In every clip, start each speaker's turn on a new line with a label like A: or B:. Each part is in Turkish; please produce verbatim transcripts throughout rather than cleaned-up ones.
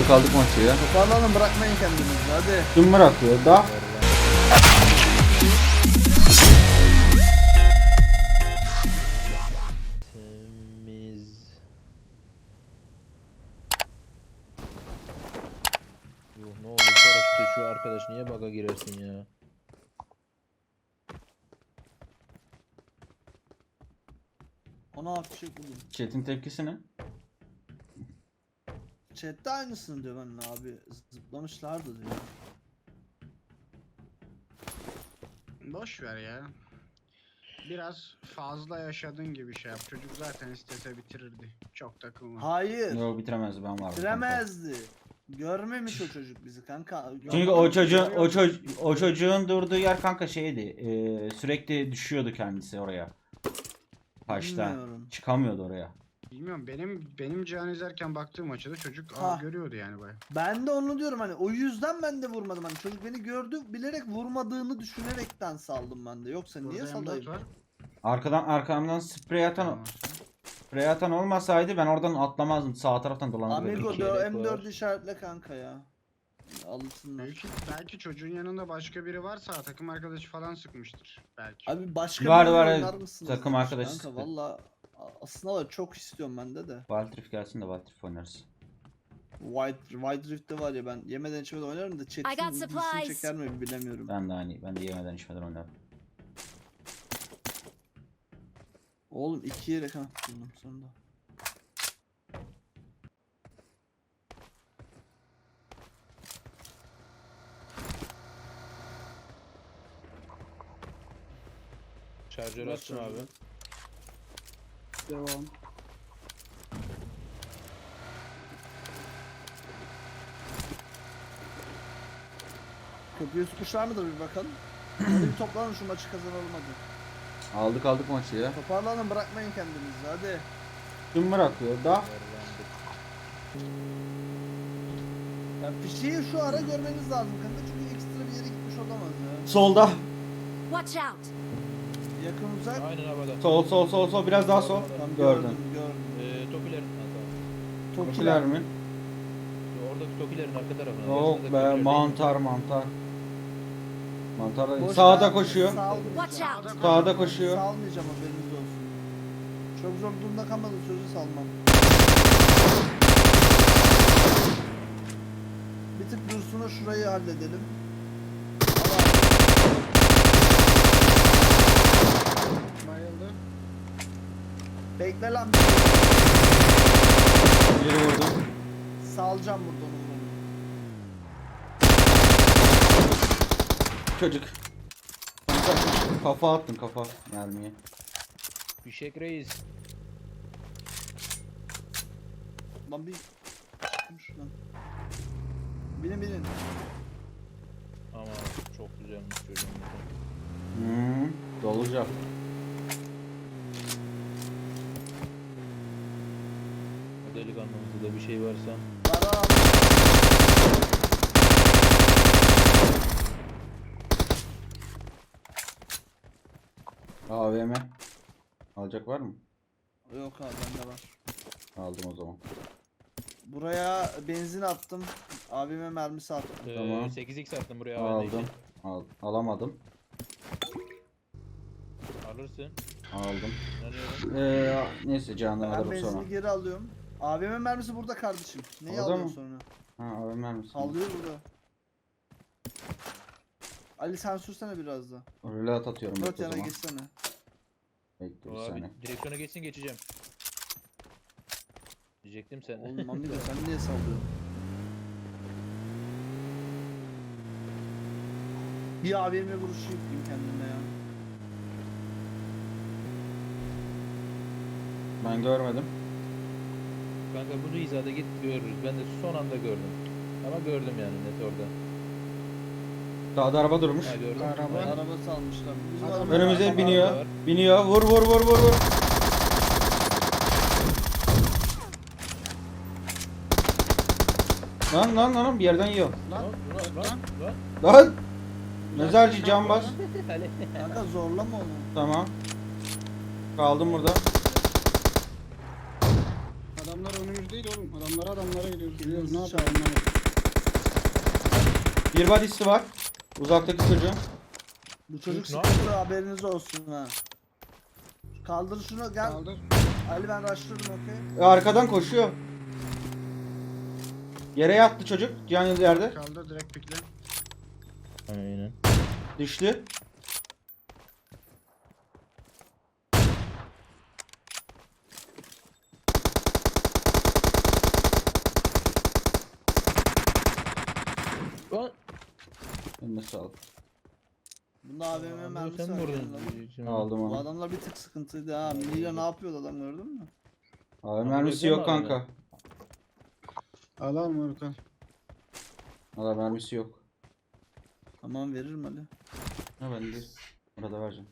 A: Aldık aldık maçı ya.
B: Toparlanın, bırakmayın kendinizi hadi.
A: Kim bırakıyor da?
C: Temiz. Yuh, ne oldu paraşütte şu arkadaş, niye bug'a girersin ya?
B: Ona hafif şey buldum.
A: Chat'in tepkisi ne?
B: Chat'te aynısını diyor benimle abi. Zıplamışlardı diyor.
D: Boş ver ya. Biraz fazla yaşadığın gibi şey yap. Çocuk zaten istese bitirirdi. Çok takılma.
B: Hayır.
A: Yok bitiremezdi, ben varım.
B: Bitiremezdi. Görmemiş o çocuk bizi kanka.
A: Çünkü o çocuğun o, ço o çocuğun durduğu yer kanka şeydi. E, sürekli düşüyordu kendisi oraya. Başta
B: Bilmiyorum.
A: çıkamıyordu oraya.
D: Bilmiyorum, benim benim Cihan izlerken baktığım açıda çocuk
B: Ha.
D: aa, görüyordu yani baya.
B: Ben de onu diyorum hani, o yüzden ben de vurmadım hani, çocuk beni gördü bilerek vurmadığını düşünerekten saldım ben de, yoksa niye
D: Burada M dört
B: salayım?
D: var.
A: Arkadan arkamdan sprey atan
D: Tamam.
A: sprey atan olmasaydı ben oradan atlamazdım. Sağ taraftan dolanırdım.
B: Amigo
C: iki
B: diyor
C: yelek
B: M dört
C: var.
B: işaretle kanka ya. Alışsınlar.
D: Belki, belki çocuğun yanında başka biri varsa takım arkadaşı falan sıkmıştır. Belki.
B: Abi başka
A: Var,
B: bir
A: var,
B: oyun
A: evet.
B: oynar mısınız
A: Takım
B: demiş
A: arkadaşı
B: kanka,
A: sıktı.
B: valla aslında var, çok istiyorum bende de.
A: Valtrif gelsin de Valtrif oynarız.
B: White, White Rift'te var ya, ben yemeden içmeden oynarım da
E: I got
B: chat'in ilgisini
E: supplies.
B: çeker mi bilemiyorum.
A: Ben de aynı. Ben de yemeden içmeden oynarım.
B: Oğlum iki yere kan buldum sonunda.
C: Şarjör
B: Bırak
C: açtım
B: şarjörü.
C: abi.
B: Devam. Köprüyü tutmuşlar mıdır bir bakalım. Hadi bir toplanın, şu maçı kazanalım hadi.
A: Aldık aldık maçı ya.
B: Toparlanın, bırakmayın kendinizi hadi.
A: Kim bırakıyor da?
C: Verlandık.
B: Ya fişeği şu ara görmeniz lazım kanka, çünkü ekstra bir yere gitmiş olamaz ya.
A: Solda.
E: Watch out!
B: Yakın uzak.
C: Aynen havada.
A: Sol sol sol sol biraz daha sol.
B: Tam
A: Gördüm.
B: gördüm gördüm.
C: Ee, Tokilerin hatta.
A: Tokiler mi?
C: Oradaki Tokilerin arka tarafına.
A: Yok
C: yarısındaki
A: be,
C: Tokiler değil.
A: mantar mantar. Mantar da-
B: Boşta
A: sağda koşuyor.
B: salmayacağım.
E: Watch out!
A: Sağda koşuyor.
B: Salmayacağım, haberiniz olsun. Çok zor durumda kalmadım, sözü salmam. Bir tık Dursun'a şurayı halledelim.
D: Bayıldı.
B: Bekle lan.
A: Biri vurdum.
B: Salacağım burada onu.
A: Çocuk. Kanka, kafa attın kafa mermiye.
C: Fişek reis.
B: Lan bir çıkın şuradan. Binin binin.
C: Ama çok güzelmiş çocuğum.
A: Hmm, dolacak.
C: O delikanlımızda da bir şey varsa.
B: Para al.
A: A V M. Alacak var mı?
B: Yok abi, bende var.
A: Aldım o zaman.
B: Buraya benzin attım. Abime mermisi attım.
C: Ee,
A: Tamam.
C: sekiz x attım buraya havada
A: Aldım.
C: için.
A: Al, alamadım.
C: Alırsın.
A: Aldım.
C: Ne
A: Ee, neyse canını
B: Ben
A: alırım
B: benzini
A: sonra.
B: geri alıyorum. Abime mermisi burada kardeşim. Neyi
A: Orada
B: alıyorsun
A: mı?
B: sonra?
A: Ha A V M misin?
B: Alıyor burada. Ali sen sürsene biraz da.
A: Relat atıyorum
B: Dört
A: bekle o
B: yana
A: zaman.
B: geçsene.
A: Bekle bir
C: Abi
A: saniye.
C: direksiyona geçsin geçeceğim. Diyecektim sen.
B: Oğlum amigo sen niye sallıyorsun? Bir abime vuruşu yapayım kendime ya.
A: Ben görmedim.
C: Kanka bu hizada git görürüz. Ben de son anda gördüm. Ama gördüm yani net orada.
A: Sağda araba durmuş.
C: Ha gördüm.
D: Araba.
C: Aynen.
B: Araba salmışlar. Bizim
D: Adam-
B: araba-
A: Önümüze
C: Araba
A: biniyor.
C: var.
A: Biniyor. Vur vur vur vur vur. Lan lan lan bir yerden yiyor.
D: Lan
C: Lan lan lan.
A: Lan. Mezarcı can bas.
C: Ali.
B: Kanka zorlama onu.
A: Tamam. Kaldım burada.
D: Adamlar önümüz değil oğlum. Adamlara adamlara gidiyoruz. Gidiyoruz. Ne
B: Elinizi
D: yapalım?
B: çalın.
A: Bir body'si var. Uzaktaki çocuğun.
B: Bu çocuk
C: Ne
B: sıkıntı, haberiniz olsun ha. Kaldır şunu, gel.
D: Kaldır.
B: Ali ben rushladım, okey.
A: E, arkadan koşuyor. Yere yattı çocuk. Can yerde.
D: Kaldır direkt pikle.
C: Aynen.
A: Düştü.
C: Lan.
A: Eline sağlık.
B: Bunda A V M
C: Aa,
B: mermisi
C: sen
B: var.
C: vurdun.
B: yanında.
C: Şimdi-
A: Aldım
B: Bu
A: onu.
B: adamlar bir tık sıkıntıydı ha. Mira ne yapıyordu adam, gördün mü?
A: Abi
C: Ama
A: mermisi
C: öyle
A: yok
C: deme
A: kanka.
D: Al al moruk al.
A: Valla mermisi yok.
B: Tamam, veririm Ali.
A: Ha ben de arada vereceğim.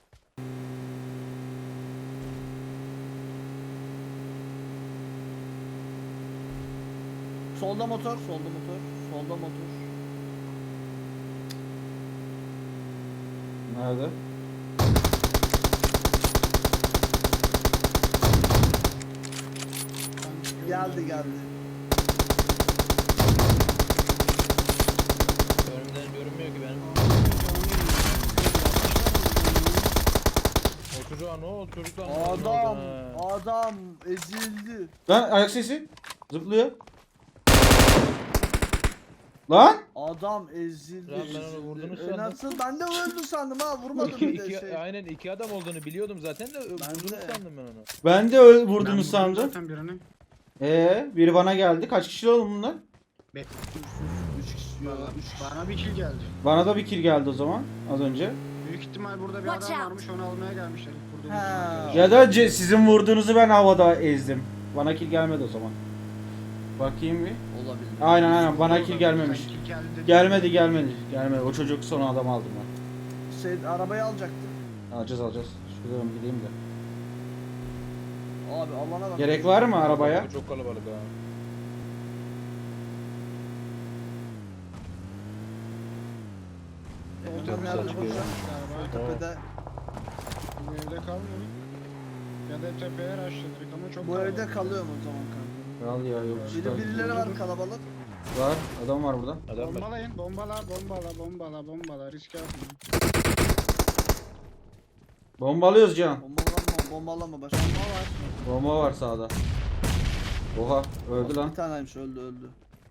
B: Solda motor, solda motor, solda motor.
A: Nerede?
B: Geldi geldi.
C: Önümden görünmüyor ki benim. O çocuğa ne oldu? Çocuklar ne oldu?
B: Adam,
C: Ha.
B: adam ezildi.
A: Lan ayak sesi. Zıplıyor. Lan!
B: Adam ezildi.
C: Lan ben onu
B: ezildi.
C: vurdunuz
B: E
C: sandım.
B: Nasıl? Ben de öldü sandım ha, vurmadım
C: İki,
B: bir de
C: iki,
B: şey.
C: aynen iki adam olduğunu biliyordum zaten de vurdunuz
B: de.
C: sandım ben onu.
A: Ben de öl
D: Ben
A: vurdunuz
D: vurdum
A: sandım.
D: Zaten birini.
A: Ee, biri bana geldi. Kaç kişi oğlum bunlar?
B: Üç kişi yok,
D: Bana,
B: üç kişi.
D: bana bir kill geldi.
A: Bana da bir kill geldi o zaman az önce.
D: Büyük ihtimal burada bir
E: Watch
D: adam
E: out.
D: varmış, onu almaya gelmişler. Burada
B: Ha.
A: Ya da ce- sizin vurduğunuzu ben havada ezdim. Bana kill gelmedi o zaman. Bakayım bir.
B: Olabilir.
A: Aynen aynen bana kill gelmemiş.
D: Kill geldi dedi.
A: Gelmedi gelmedi. Gelmedi. O çocuk son adam aldım ben.
B: Şey, arabayı alacaktı.
A: Alacağız alacağız. Şuradan gideyim de.
B: Abi alana bak.
A: Gerek var mı arabaya?
C: Çok kalabalık ha.
B: Evden
C: Tepesi
B: nerede
C: açık
B: bulacağım?
D: Galiba.
B: Sol tepede.
D: Bu evde kalmıyor. Ya da tepeye rushladık ama çok
B: Bu
D: kalabalık.
B: evde kalıyorum o zaman kanka.
A: Kral ya yok.
B: Biri birileri var kalabalık.
A: Var. Adam var burada.
C: Adam var.
D: Bombalayın, bombala, bombala, bombala, bombala, riske atmayın.
A: Bombalıyoruz Can.
B: Bombalama, bombalama başka.
D: Bomba var.
A: Bomba var sağda. Oha öldü lan.
B: Bir taneymiş, öldü öldü.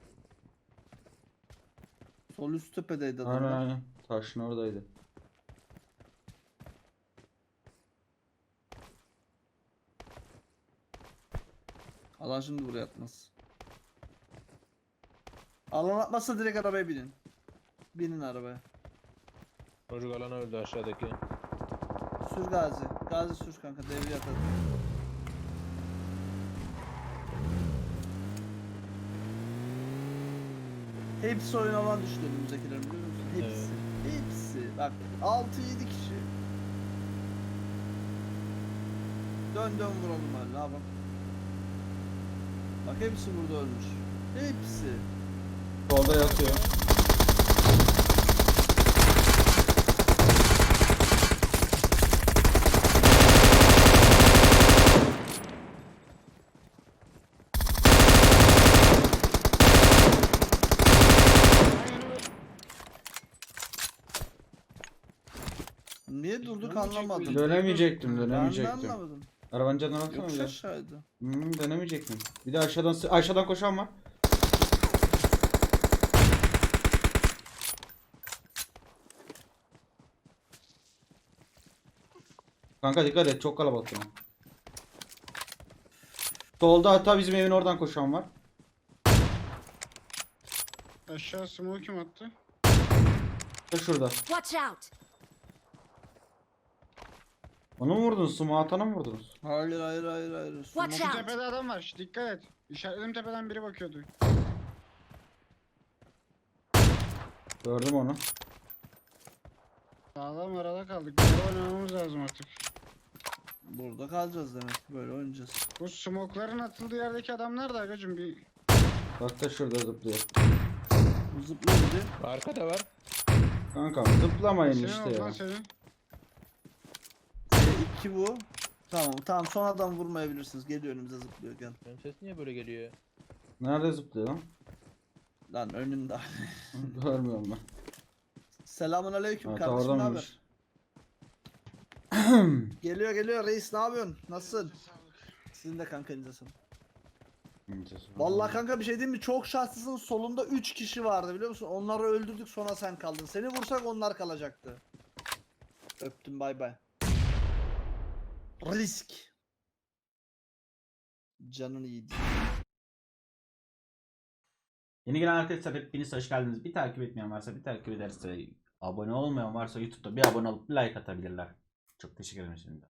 B: Sol üst tepedeydi adam.
A: Aynen aynen. Taşın oradaydı.
B: Alan şimdi buraya atmaz. Alan atmazsa direkt arabaya binin. Binin arabaya.
C: Çocuk alana öldü aşağıdaki.
B: Sür Gazi. Gazi sür kanka, devriye atalım. Hepsi oyun alan düştü önümüzdekilerin, biliyor musun? Hepsi. Hepsi. Bak altı yedi kişi. Dön dön vuralım hadi, ne yapalım. Bak hepsi burada ölmüş. Hepsi.
A: Solda yatıyor.
B: Niye durduk
D: Dönmeyecek
B: anlamadım.
D: miydik?
A: Dönemeyecektim
B: Ben de
A: dönemeyecektim.
B: anlamadım.
A: Arabanın canına baksana
B: Yokuş
A: bir de.
B: aşağıydı.
A: Hmm, dönemeyecektim. Bir de aşağıdan aşağıdan koşan var. Kanka dikkat et, çok kalabalık yine. Solda hatta bizim evin oradan koşan var.
D: Aşağı smoke kim attı?
A: Da şurada.
E: Watch out!
A: Onu mu vurdunuz? Sumo atanı mı vurdunuz?
B: Hayır hayır hayır hayır.
E: Watch
B: Sumo-
E: out.
D: Şu tepede adam var. Şş, dikkat et. İşaretledim, tepeden biri bakıyordu.
A: Gördüm onu.
D: Sağlam arada kaldık. Böyle oynamamız lazım artık.
B: Burada kalacağız demek ki, böyle oynayacağız.
D: Bu smoke'ların atıldığı yerdeki adamlar da agacım bir...
A: Bak da şurada zıplıyor.
B: Bu zıplıyor biri.
C: Arkada var.
A: Kankam zıplamayın
D: Senin
A: işte
D: oldu lan
A: ya.
D: senin.
B: C iki bu. Tamam tamam sonradan vurmayabilirsiniz. Geliyor önümüze zıplıyor gel.
C: Benim ses niye böyle geliyor?
A: Nerede zıplıyor lan?
B: Lan önünde.
A: Görmüyorum ben.
B: Selamun aleyküm
A: Ha,
B: kardeşim ne
A: oradaymış.
B: haber? Geliyor geliyor reis ne yapıyorsun? Nasılsın? Sizin de kanka elinize sağlık. Vallahi kanka bir şey diyeyim mi? Çok şanslısın. Solunda üç kişi vardı biliyor musun? Onları öldürdük sonra sen kaldın. Seni vursak onlar kalacaktı. Öptüm bay bay. Risk. Canın iyiydi.
A: Yeni gelen arkadaşlar hepiniz hoş geldiniz. Bir takip etmeyen varsa bir takip ederse, abone olmayan varsa YouTube'da bir abone olup bir like atabilirler. Çok teşekkür ederim şimdi.